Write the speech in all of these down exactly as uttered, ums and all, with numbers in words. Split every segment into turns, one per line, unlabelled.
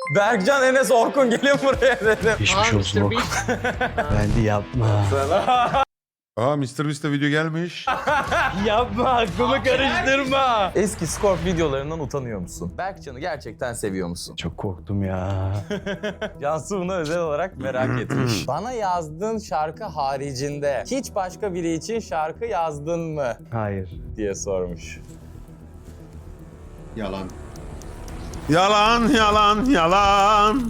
Berkcan Enes Orkun gelin buraya dedim.
Geçmiş olsun. Ben de yapma.
Aa mister Beast'e video gelmiş.
Yapma, aklımı karıştırma. Eski Scorp videolarından utanıyor musun? Berkcan'ı gerçekten seviyor musun?
Çok korktum ya.
Cansu bunu özel olarak merak etmiş. Bana yazdığın şarkı haricinde hiç başka biri için şarkı yazdın mı?
Hayır.
Diye sormuş.
Yalan.
Yalan yalan yalan.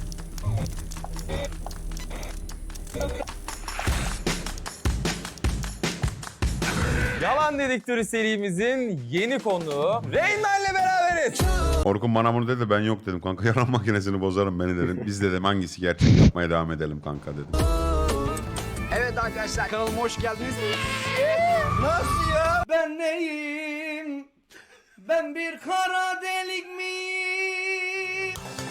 Yalan Dedektörü serimizin yeni konuğu Reyna ile beraberiz.
Orkun bana bunu dedi, ben yok dedim kanka, yalan makinesini bozarım beni dedim. Biz dedim hangisi gerçek, yapmaya devam edelim kanka dedim.
Evet arkadaşlar, kanalıma hoş geldiniz. Nasıl ya? Ben neyim? Ben bir kara delik miyim?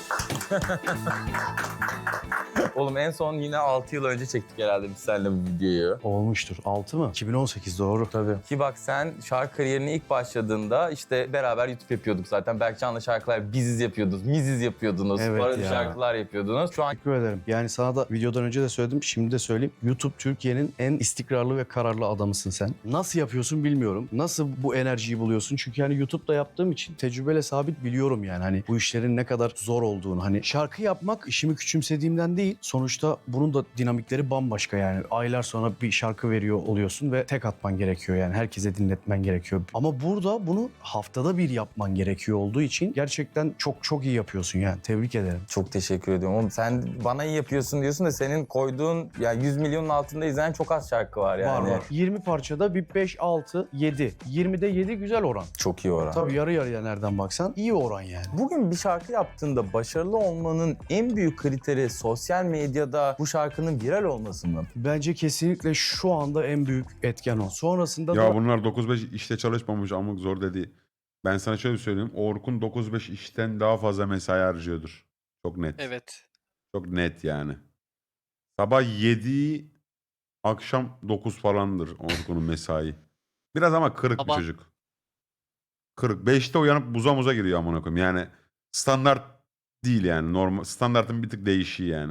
Oğlum en son yine altı yıl önce çektik herhalde biz seninle bu videoyu.
Olmuştur. altı mı? iki bin on sekiz doğru.
Tabii. Ki bak sen şarkı kariyerine ilk başladığında işte beraber YouTube yapıyorduk zaten. Berkcan'la şarkılar biziz yapıyordunuz, miziz yapıyordunuz,
Evet
parodi
ya.
şarkılar yapıyordunuz. Şu an
Teşekkür ederim. Yani sana da videodan önce de söyledim, şimdi de söyleyeyim. YouTube Türkiye'nin en istikrarlı ve kararlı adamısın sen. Nasıl yapıyorsun bilmiyorum. Nasıl bu enerjiyi buluyorsun? Çünkü hani YouTube'da yaptığım için tecrübeyle sabit biliyorum yani. Hani bu işlerin ne kadar zor olduğunu. Hani şarkı yapmak işimi küçümsediğimden değil. Sonuçta bunun da dinamikleri bambaşka yani. Aylar sonra bir şarkı veriyor oluyorsun ve tek atman gerekiyor yani. Herkese dinletmen gerekiyor. Ama burada bunu haftada bir yapman gerekiyor olduğu için gerçekten çok çok iyi yapıyorsun yani. Tebrik ederim.
çok teşekkür ediyorum. Oğlum sen bana iyi yapıyorsun diyorsun da senin koyduğun ya yüz milyonun altında izlenen çok az şarkı var yani.
Var var. yirmi parçada bir beş, altı, yedi. yirmide yedi güzel oran.
Çok iyi oran.
Tabii yarı yarıya nereden baksan iyi oran yani.
Bugün bir şarkı yaptığında başarılı olmanın en büyük kriteri sosyal medyada bu şarkının viral olması mı?
Bence kesinlikle şu anda en büyük etken o. Sonrasında
Ya
da
bunlar dokuz beş işte çalışmamış, amık zor dedi. Ben sana şöyle söyleyeyim. Orkun dokuz beş işten daha fazla mesai harcıyordur. Çok net.
Evet.
Çok net yani. Sabah yedi, akşam dokuz falandır Orkun'un mesai. Biraz ama kırık
Baba.
bir çocuk. Kırık. beşte uyanıp buza muza giriyor amına koyayım. Yani standart değil yani. Normal standartın bir tık değişiği yani.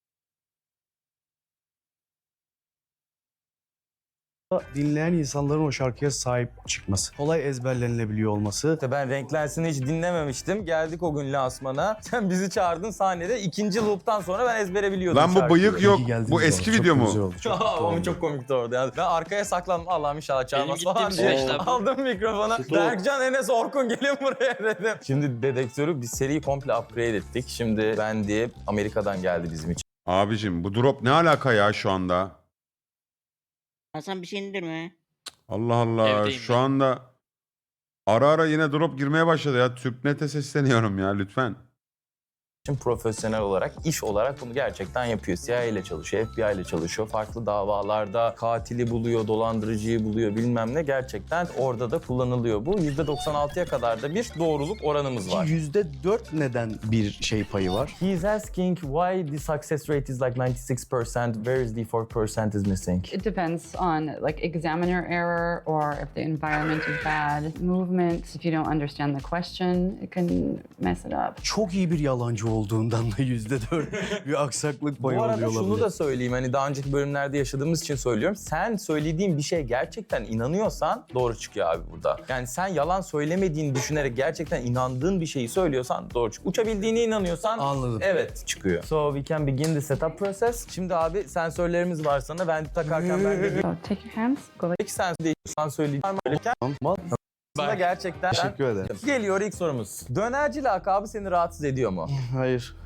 dinleyen insanların o şarkıya sahip çıkması. Kolay ezberlenilebiliyor olması.
İşte ben Renklensin'i hiç dinlememiştim. Geldik o gün lansmana. Sen bizi çağırdın sahnede. İkinci loop'tan sonra ben ezbere biliyordum
Lan bu
şarkıyı.
bıyık yok.
İyi geldiniz
Bu
bu
eski
arada.
video
Çok
mu?
güzel oldu, çok mutlu
Ama
oldum.
çok komikti orada. Yani ben arkaya saklandım. Allah'ım inşallah çalmaz
Benim
falan
gittiğim
diye.
süreçte bu.
Aldım mikrofona. Berkcan Enes Orkun gelin buraya dedim. Şimdi dedektörü bir seriyi komple upgrade ettik. Şimdi ben diye Amerika'dan geldi bizim için.
Abicim bu drop ne alaka ya şu anda?
Hasan bir şey indirme.
Allah Allah.
Evdeyim
Şu
ben.
anda ara ara yine drop girmeye başladı ya. Türknet'e sesleniyorum ya lütfen.
Şimdi profesyonel olarak, iş olarak bunu gerçekten yapıyor. C I A ile çalışıyor, F B I ile çalışıyor. Farklı davalarda katili buluyor, dolandırıcıyı buluyor bilmem ne. Gerçekten orada da kullanılıyor bu. yüzde doksan altıya kadar da bir doğruluk oranımız var.
yüzde dört neden bir şey payı var?
He's asking why the success rate is like ninety-six percent, where is the four percent is missing?
It depends on like examiner error or if the environment is bad. Movement, if you don't understand the question, it can mess it up.
Çok iyi bir yalancı olduğundan da yüzde dört bir aksaklık payı
Bu
oluyor
arada şunu
olabilir.
da söyleyeyim, hani daha önceki bölümlerde yaşadığımız için söylüyorum. Sen söylediğin bir şeye gerçekten inanıyorsan doğru çıkıyor abi burada. Yani sen yalan söylemediğini düşünerek gerçekten inandığın bir şeyi söylüyorsan doğru çıkıyor. Uçabildiğine inanıyorsan
Anladım.
evet çıkıyor. So we can begin the setup process. Şimdi abi sensörlerimiz var sana. Ben takarken ben de
So take your hands, go like
ilk sen değiştirsen söyleyeceğim.
Tamam.
Aslında gerçekten
Teşekkür ederim.
Geliyor ilk sorumuz. Dönerci lakabı seni rahatsız ediyor mu?
Hayır.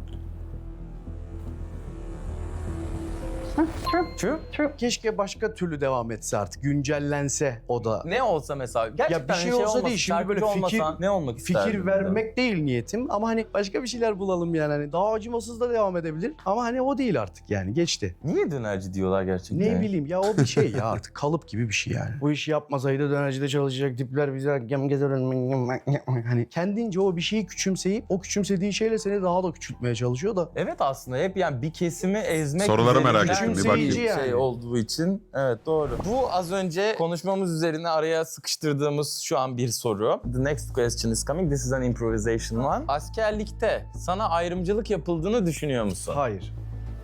true,
True.
true.
Keşke başka türlü devam etse artık. Güncellense o da.
Ne olsa mesela gerçekten
bir şey
hani
olsa
olmasa,
değil, şimdi böyle
şarkıcı
fikir-
olmasan ne olmak isterdin?
Fikir vermek değil niyetim ama hani başka bir şeyler bulalım yani. Hani daha acımasız da devam edebilir ama hani o değil artık yani geçti.
Niye dönerci diyorlar gerçekten?
Ne bileyim ya o bir şey ya artık kalıp gibi bir şey yani. Bu işi yapmasaydı dönercide çalışacak tipler bize gem gezer hani kendince o bir şeyi küçümseyip o küçümsediği şeyle seni daha da küçültmeye çalışıyor da
Evet aslında hep yani bir kesimi ezmek
Soruları merak
üzerinden
Küçümseyici
bakayım.
yani.
şey olduğu için. Evet doğru. Bu az önce konuşmamız üzerine araya sıkıştırdığımız şu an bir soru. The next question is coming. This is an improvisation one. Askerlikte sana ayrımcılık yapıldığını düşünüyor musun?
Hayır.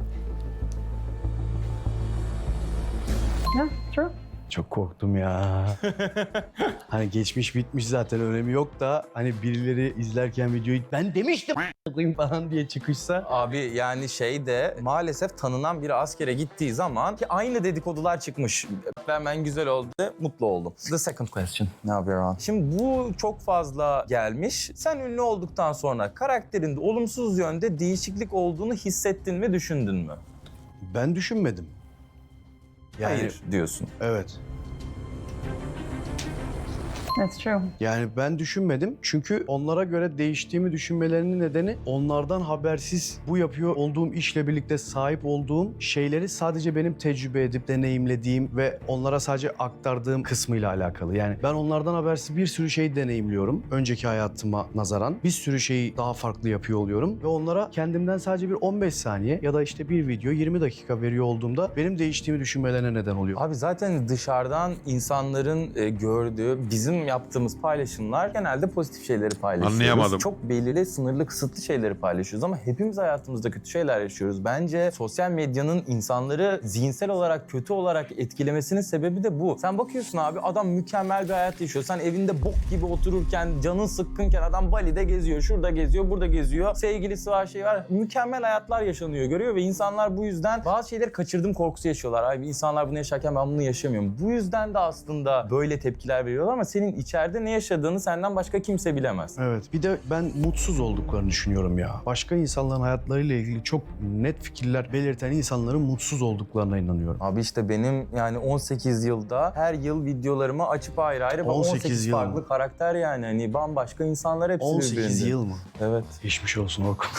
Yeah, true.
Çok korktum ya. Hani geçmiş bitmiş zaten önemi yok da hani birileri izlerken videoyu ben demiştim koyayım falan diye çıkışsa.
Abi yani şey de maalesef tanınan biri askere gittiği zaman ki aynı dedikodular çıkmış. Ben ben güzel oldu, mutlu oldum. The second question. Ne yapıyor? Şimdi bu çok fazla gelmiş. Sen ünlü olduktan sonra karakterinde olumsuz yönde değişiklik olduğunu hissettin mi, düşündün mü?
Ben düşünmedim. Yani,
Hayır diyorsun.
Evet.
That's true.
Yani ben düşünmedim çünkü onlara göre değiştiğimi düşünmelerinin nedeni onlardan habersiz bu yapıyor olduğum işle birlikte sahip olduğum şeyleri sadece benim tecrübe edip deneyimlediğim ve onlara sadece aktardığım kısmıyla alakalı. Yani ben onlardan habersiz bir sürü şey deneyimliyorum. Önceki hayatıma nazaran bir sürü şeyi daha farklı yapıyor oluyorum ve onlara kendimden sadece bir on beş saniye ya da işte bir video yirmi dakika veriyor olduğumda benim değiştiğimi düşünmelerine neden oluyor.
Abi zaten dışarıdan insanların e, gördüğü, bizim yaptığımız paylaşımlar genelde pozitif şeyleri paylaşıyoruz.
Anlayamadım.
Çok belirli, sınırlı, kısıtlı şeyleri paylaşıyoruz ama hepimiz hayatımızda kötü şeyler yaşıyoruz. Bence sosyal medyanın insanları zihinsel olarak, kötü olarak etkilemesinin sebebi de bu. Sen bakıyorsun abi, adam mükemmel bir hayat yaşıyor. Sen evinde bok gibi otururken, canın sıkkınken adam Bali'de geziyor, şurada geziyor, burada geziyor. Sevgilisi var, şey var. Mükemmel hayatlar yaşanıyor, görüyor ve insanlar bu yüzden bazı şeyleri kaçırdım korkusu yaşıyorlar. Abi insanlar bunu yaşarken ben bunu yaşamıyorum. Bu yüzden de aslında böyle tepkiler veriyorlar ama senin içeride ne yaşadığını senden başka kimse bilemez.
Evet. Bir de ben mutsuz olduklarını düşünüyorum ya. Başka insanların hayatlarıyla ilgili çok net fikirler belirten insanların mutsuz olduklarına inanıyorum.
Abi işte benim yani on sekiz yılda her yıl videolarımı açıp ayrı ayrı
on sekiz
on sekiz
yıl
farklı
mı?
karakter yani hani bambaşka insanlar hepsi
on sekiz
birbirinde.
yıl mı?
Evet.
Geçmiş olsun Orkun.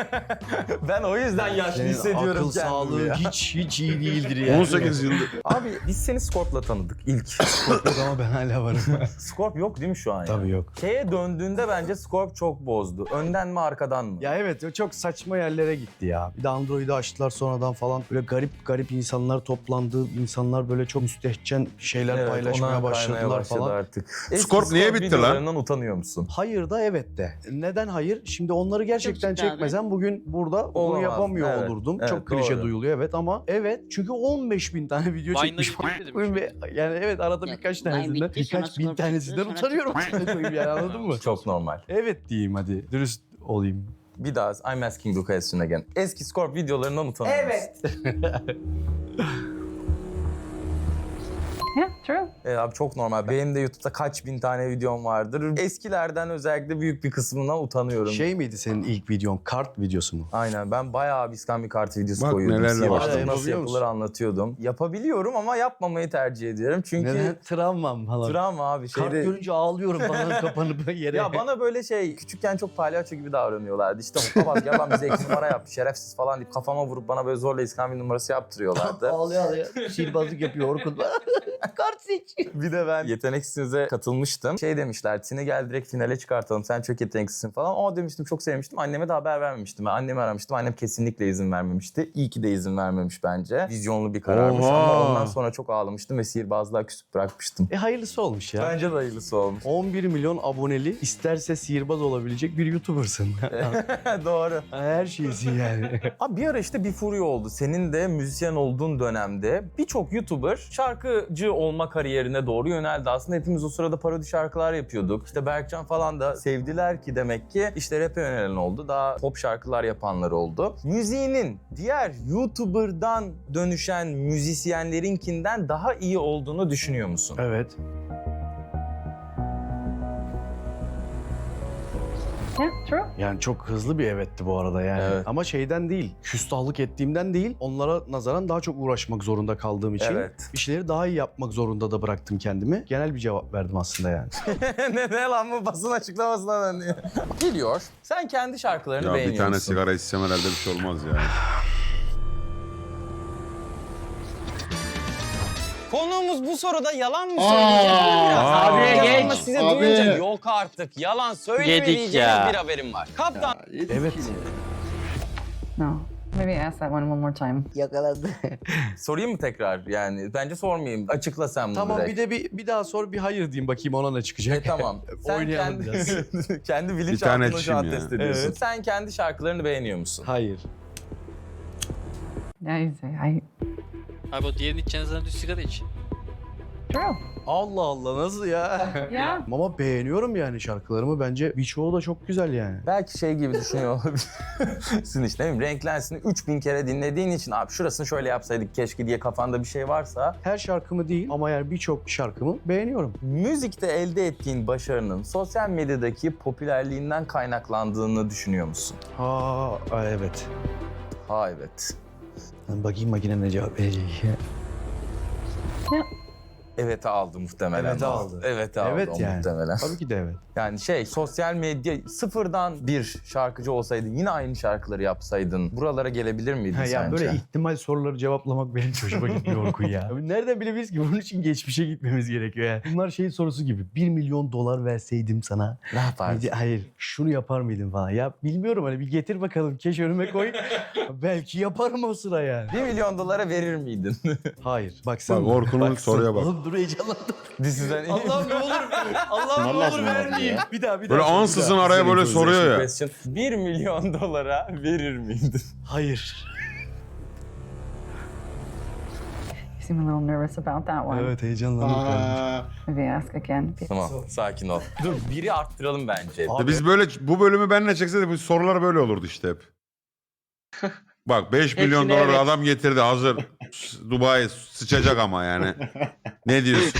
Ben o yüzden yaşlı
Senin
hissediyorum
akıl
kendimi
sağlığı
ya.
hiç hiç iyi değildir yani.
on sekiz yıldır.
Abi biz seni Scorp'la tanıdık ilk.
Yok ama ben hala varım.
Scorp yok değil mi şu an ya?
Tabii yok.
Şeye döndüğünde bence Scorp çok bozdu. Önden mi arkadan mı?
Ya evet o çok saçma yerlere gitti ya. Bir de Android'i açtılar sonradan falan. Böyle garip garip insanlar toplandı. İnsanlar böyle çok müstehcen şeyler
Evet,
paylaşmaya
ona kaymaya
başladılar
başladı
falan.
artık. Eski
Scorp niye bitti lan?
videolarından utanıyor musun?
Hayır da evet de. Neden hayır? Şimdi onları gerçekten
ciddi abi.
çekmesem bugün burada bunu
Olamaz.
yapamıyor
Evet,
olurdum.
evet,
Çok klişe
doğru.
duyuluyor evet ama evet çünkü on beş bin tane video
Vine'da
çekmiş.
gidiyor dedim.
Ve yani evet arada
Ya,
birkaç
Vine
tanesinden,
bitti, sonra
birkaç bin
Scorp
tanesinden
çıktı, sonra
utanıyorum. koyayım yani anladın mı?
Çok normal.
Evet diyeyim hadi. Dürüst olayım.
Bir daha I'm asking the question again. Eski Scorp videolarından utanıyor musun?
Yeah, true.
Evet abi çok normal. Benim de YouTube'da kaç bin tane videom vardır. Eskilerden özellikle büyük bir kısmından utanıyorum.
Şey miydi senin ilk videon? Kart videosu mu?
Aynen ben bayağı bir kartı videosu
Bak
koyuyordum.
nelerle
Siyah
başladım.
nasıl
Yapabiliyor
yapılır
musun?
anlatıyordum. Yapabiliyorum ama yapmamayı tercih ediyorum. Çünkü
Neden? Travmam falan.
travma abi.
Kart
Şeyde...
görünce ağlıyorum falan kapanıp yere.
Ya bana böyle şey küçükken çok palyaço gibi davranıyorlardı. İşte Mutlabaz gel lan bize iki numara yaptı şerefsiz falan deyip kafama vurup bana böyle zorla iskambil numarası yaptırıyorlardı.
ağlıyor ağlıyor. Sihirbazlık yapıyor Orkun. Kart seç.
Bir de ben yeteneksiz'e katılmıştım. Şey demişler, Tine gel direkt finale çıkartalım. Sen çok yeteneksizsin falan. O demiştim, çok sevmiştim. Anneme de haber vermemiştim. Ben annemi aramıştım. Annem kesinlikle izin vermemişti. İyi ki de izin vermemiş bence. Vizyonlu bir kararmış
Oha.
ama ondan sonra çok ağlamıştım ve sihirbazlığa küsüp bırakmıştım.
E hayırlısı olmuş ya.
Bence de hayırlısı olmuş.
on bir milyon aboneli isterse sihirbaz olabilecek bir YouTuber'sın.
Doğru.
Her şeysin yani.
Abi bir ara işte bir furya oldu. Senin de müzisyen olduğun dönemde birçok YouTuber şarkıcı olma kariyerine doğru yöneldi. Aslında hepimiz o sırada parodi şarkılar yapıyorduk. İşte Berkcan falan da sevdiler ki demek ki işte rap'e yönelen oldu. Daha pop şarkılar yapanlar oldu. Müziğinin diğer YouTuber'dan dönüşen müzisyenlerinkinden daha iyi olduğunu düşünüyor musun?
Evet.
Yeah, true.
Yani çok hızlı bir evetti bu arada yani.
Evet.
Ama şeyden değil, küstahlık ettiğimden değil, onlara nazaran daha çok uğraşmak zorunda kaldığım için
Evet.
işleri daha iyi yapmak zorunda da bıraktım kendimi. Genel bir cevap verdim aslında yani.
ne, ne lan bu basın açıklamasına dönüyor. Geliyor. Sen kendi şarkılarını
Ya
beğeniyor
bir tane
musun?
sigara içsem herhalde bir şey olmaz ya.
Konuğumuz bu soruda yalan mı söyleyecek? Biraz
Abi,
yalan mı
geç.
size
Abi.
duyunca yok artık yalan
Yedik
söylemeyeceğiniz
ya.
bir haberim var. Kaptan
Evet.
No. Maybe ask that one one more time.
Yakaladı.
Sorayım mı tekrar? Yani bence sormayayım. Açıkla sen bunu
Tamam
direkt.
bir de bir, bir daha sor bir hayır diyeyim bakayım ona ne çıkacak.
E, tamam. Sen
Oynayalım
kendi,
biraz.
kendi
Bir
bilinçaltını
tane
şu an
çim ya.
test ediyorsun.
Evet.
Sen kendi şarkılarını beğeniyor musun?
Hayır.
Yeah, you say I.
Abi o diğerini içeceğiniz zaman düz sigara iç.
True.
Allah Allah nasıl ya?
Yeah.
Ama beğeniyorum yani şarkılarımı. Bence birçoğu da çok güzel yani.
Belki şey gibi düşünüyor olabilirsin işte değil mi? Renklensin üç bin kere dinlediğin için abi şurasını şöyle yapsaydık keşke diye kafanda bir şey varsa
Her şarkımı değil ama yani birçok şarkımı beğeniyorum.
müzikte elde ettiğin başarının sosyal medyadaki popülerliğinden kaynaklandığını düşünüyor musun?
Ha evet.
Ha evet.
Ben bakayım makine ne cevap verecek.
Evet aldı muhtemelen.
Evet aldı.
Evet aldı
Evet
o
yani.
muhtemelen.
Tabii ki de evet.
Yani şey sosyal medya sıfırdan bir şarkıcı olsaydın yine aynı şarkıları yapsaydın buralara gelebilir miydin
Ha, ya
sence?
böyle ihtimal soruları cevaplamak benim hoşuma gitmiyor Orkun ya. Abi nereden bilebiliriz ki? Bunun için geçmişe gitmemiz gerekiyor yani. Bunlar şey sorusu gibi. Bir milyon dolar verseydim sana.
Ne yapardın?
Hayır, hayır şunu yapar mıydın falan. Ya bilmiyorum hani bir getir bakalım. Keş önüme koy. Belki yaparım o sıra yani.
Bir milyon dolara verir miydin?
Hayır. Baksana.
Bak Orkun'un soruya bak.
Oğlum dur heyecanlandım.
Diziden
Allah'ım ne olur. Allah'ım ne
Vallahi
olur
olmadı
vermeyeyim. Bir daha bir daha.
Böyle
sor, bir
ansızın
daha.
araya böyle soruyor ya.
Question. Bir milyon dolara verir miydin?
Hayır.
You seem a little nervous about that one.
Evet heyecanlandım. kardeşim.
Maybe ask again.
Tamam sakin ol. Dur biri arttıralım bence.
Abi-
Biz böyle bu bölümü benle çekseydik bu sorular böyle olurdu işte hep. Bak beş milyon
Hepsine
dolar
evet.
adam getirdi hazır. S- Dubai sıçacak ama yani. Ne diyorsun?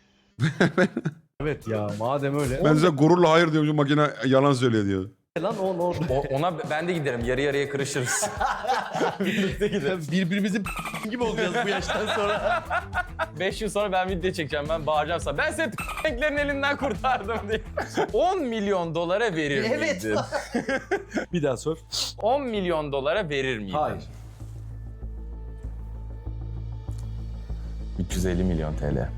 Evet ya madem öyle.
Ben size gururla hayır diyorum makine yalan söylüyor diyor.
Lan on on.
O- ona ben de giderim. Yarı yarıya kırışırız. Birlikte gideriz.
Birbirimizin gibi olacağız bu yaştan sonra.
Beş yıl sonra ben video çekeceğim. Ben bağıracağım sana. Ben seni renklerin elinden kurtardım diye. on milyon dolara verir
Evet.
miydin?
Bir daha sor.
on milyon dolara verir miydin?
Hayır.
üç yüz elli milyon T L.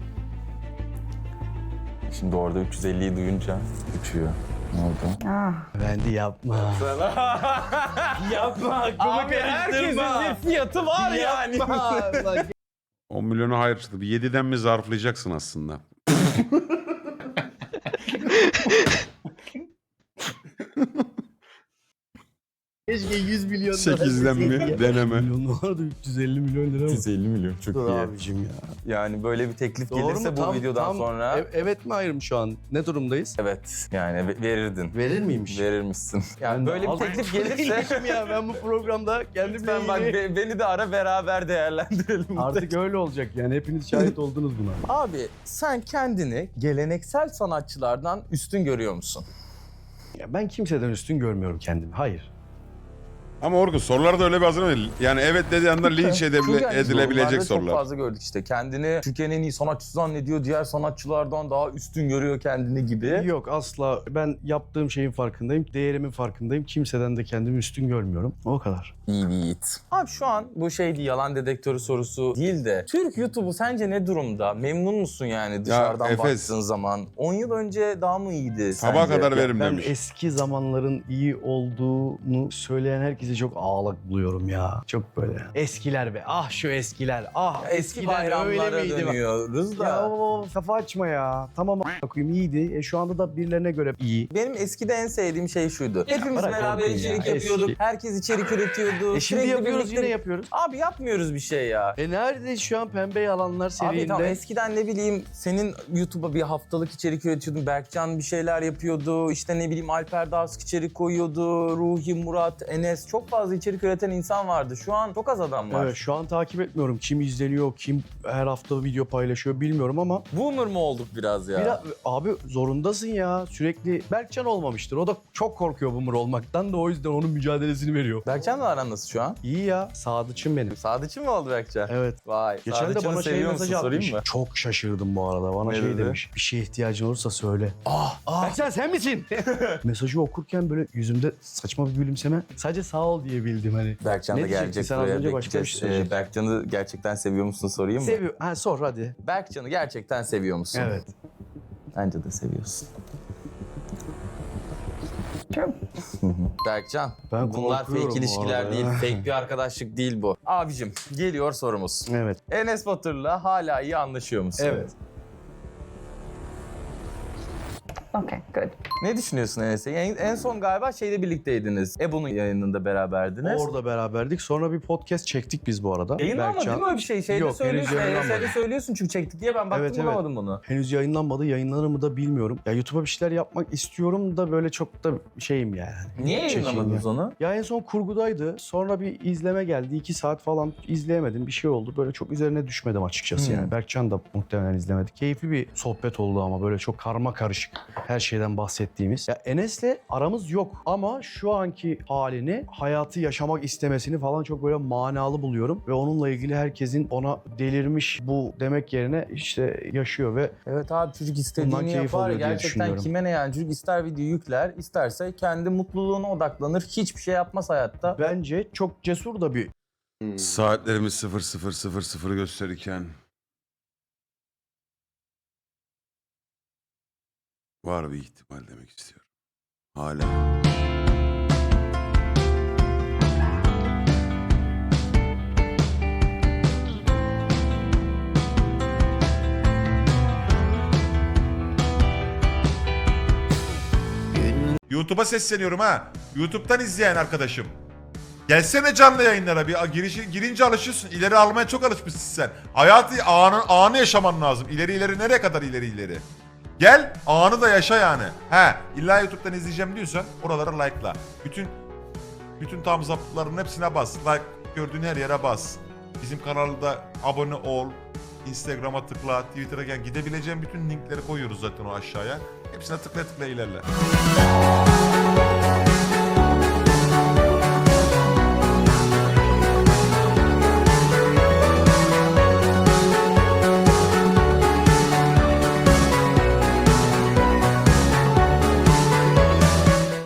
Şimdi orada üç yüz elliyi duyunca uçuyor. Ne oldu?
Ah.
Vendi yapma. yapma aklıma
Abi herkesin bir fiyatı var yani.
on milyona hayır çıktı. Bir yediden mi zarflayacaksın aslında?
Keşke yüz milyon dolar
sekizden mi
deseydi ya.
deneme?
Milyon dolar da üç yüz elli milyon lira mı?
üç yüz elli milyon çok
Dur
iyi.
abicim ya.
Yani böyle bir teklif
Doğru
gelirse
mu?
bu
Tam-
videodan
tam-
sonra
E- evet mi hayır mı şu an? Ne durumdayız?
evet yani ve- verirdin.
Verir miymiş?
Verirmişsin. Yani
Ben de
böyle bir
az-
teklif gelirse
ya ben bu programda kendimle
lütfen bak
ilgili...
be- beni de ara beraber değerlendirelim.
Artık öyle olacak yani hepiniz şahit oldunuz buna.
Abi sen kendini geleneksel sanatçılardan üstün görüyor musun?
Ya ben kimseden üstün görmüyorum kendimi. Hayır.
Ama Orkun sorular da öyle bir hazırlamayın. Yani evet dediği anda linç edebile-
Çünkü hani
edilebilecek
yorumlarda
sorular.
Çok fazla gördük işte. Kendini Türkiye'nin en iyi sanatçısı zannediyor. Diğer sanatçılardan daha üstün görüyor kendini gibi.
Yok asla. Ben yaptığım şeyin farkındayım. Değerimin farkındayım. Kimseden de kendimi üstün görmüyorum. O kadar.
İyi bir yiğit. Abi şu an bu şey değil, yalan dedektörü sorusu değil de Türk YouTube'u sence ne durumda? Memnun musun yani dışarıdan
Efes.
baktığın zaman? on yıl önce daha mı iyiydi
Sabaha
sence?
kadar
Ya
verim
ben
demiş.
eski zamanların iyi olduğunu söyleyen herkese çok ağlak buluyorum ya. Çok böyle. Eskiler be. Ah şu eskiler. Ah
Eski
eskiden
bayramlara
öyle miydi?
dönüyoruz da.
Ya o kafa açma ya. Tamam a**a koyayım iyiydi. E, şu anda da birilerine göre iyi.
Benim eskide en sevdiğim şey şuydu. Hepimiz
bırak
beraber
Orkun
içerik
ya,
yapıyorduk.
eski.
Herkes içerik üretiyordu.
E şimdi
Sürekli
yapıyoruz
birlikte-
yine yapıyoruz.
Abi yapmıyoruz bir şey ya.
E nerede şu an pembe yalanlar seviyinde?
Abi tamam eskiden ne bileyim senin YouTube'a bir haftalık içerik üretiyordun. Berkcan bir şeyler yapıyordu. İşte ne bileyim Alper Dağsk içerik koyuyordu. Ruhi, Murat, Enes çok fazla içerik üreten insan vardı. Şu an çok az adam var.
Evet, şu an takip etmiyorum. Kim izleniyor, kim her hafta video paylaşıyor bilmiyorum ama
Boomer mu olduk biraz ya?
biraz, abi zorundasın ya. Sürekli Berkcan olmamıştır. O da çok korkuyor boomer olmaktan da o yüzden onun mücadelesini veriyor.
Berkcan'la aran nasıl şu an?
İyi ya, sadıçım benim.
Sadıççı mı oldu Berkcan?
Evet.
Vay.
Geçen de
Sadıççı'nı
bana şey
seviyor musun?
mesajı
Sorayım
atmış.
mı?
Çok şaşırdım bu arada. Bana
Ne
şey
dedi?
demiş. Bir şeye ihtiyacın olursa söyle. Ah, ah. Berkcan sen misin? Mesajı okurken böyle yüzümde saçma bir gülümseme. Sadece sağ ol diyebildim hani.
Berkcan
Ne
da
diyecektin?
gelecek
Sen az
buraya.
önce başka bir
bekleyeceğiz.
şey söyleyecektin.
Ee, Berkcan'ı gerçekten seviyor musun sorayım mı?
Seviyor. Ha sor hadi.
Berkcan'ı gerçekten seviyor musun?
Evet.
Bence de seviyorsun.
True.
Berkcan,
Ben
bunlar
korkuyorum
fake
bu
ilişkiler
arada
değil,
ya.
fake bir arkadaşlık değil bu. Abicim, geliyor sorumuz.
Evet.
Enes Batur'la hala iyi anlaşıyor musun?
Evet.
Okay, good.
Ne düşünüyorsun Enes'e? Yani en son galiba şeyde birlikteydiniz. Ebu'nun yayınında beraberdiniz.
Orada beraberdik. Sonra bir podcast çektik biz bu arada.
Yayınlanmadı
Berkcan-
değil mi öyle bir şey? Şeyde
Yok, henüz
söylüyorsun,
yayınlanmadı.
Enes'e de söylüyorsun çünkü çektik diye ben baktım
Evet, evet.
bulamadım bunu.
Henüz yayınlanmadı. Yayınlanır mı da bilmiyorum. Ya YouTube'a bir şeyler yapmak istiyorum da böyle çok da şeyim yani.
Niye
Çekeyim
yayınlamadınız
ya.
onu?
Ya en son kurgudaydı. Sonra bir izleme geldi. iki saat falan izleyemedim. Bir şey oldu. Böyle çok üzerine düşmedim açıkçası
Hmm.
yani. Berkcan da muhtemelen izlemedi. Keyifli bir sohbet oldu ama böyle çok karma karışık her şeyden bahsettiğimiz. Ya Enes'le aramız yok ama şu anki halini, hayatı yaşamak istemesini falan çok böyle manalı buluyorum. Ve onunla ilgili herkesin ona delirmiş bu demek yerine işte yaşıyor ve
Evet abi çocuk
Bundan
istediğini
keyif
yapar.
alıyor diye
Gerçekten
düşünüyorum.
kime ne yani çocuk ister video yükler, isterse kendi mutluluğuna odaklanır. Hiçbir şey yapmaz hayatta.
bence çok cesur da bir
Saatlerimiz sıfır sıfır sıfır sıfır gösterirken var bir ihtimal demek istiyorum. Hala. YouTube'a sesleniyorum ha. YouTube'dan izleyen arkadaşım. Gelsene canlı yayınlara bir girişi, girince alışıyorsun. İleri almaya çok alışmışsın sen. Hayatı anı, anı yaşaman lazım. İleri ileri nereye kadar ileri ileri? Gel anı da yaşa yani. He illa YouTube'dan izleyeceğim diyorsan oralara like'la. Bütün bütün thumbs up'ların hepsine bas. Like gördüğün her yere bas. Bizim kanalda abone ol. Instagram'a tıkla, Twitter'a gel. Gidebileceğin bütün linkleri koyuyoruz zaten o aşağıya. Hepsine tıkla tıkla ilerle.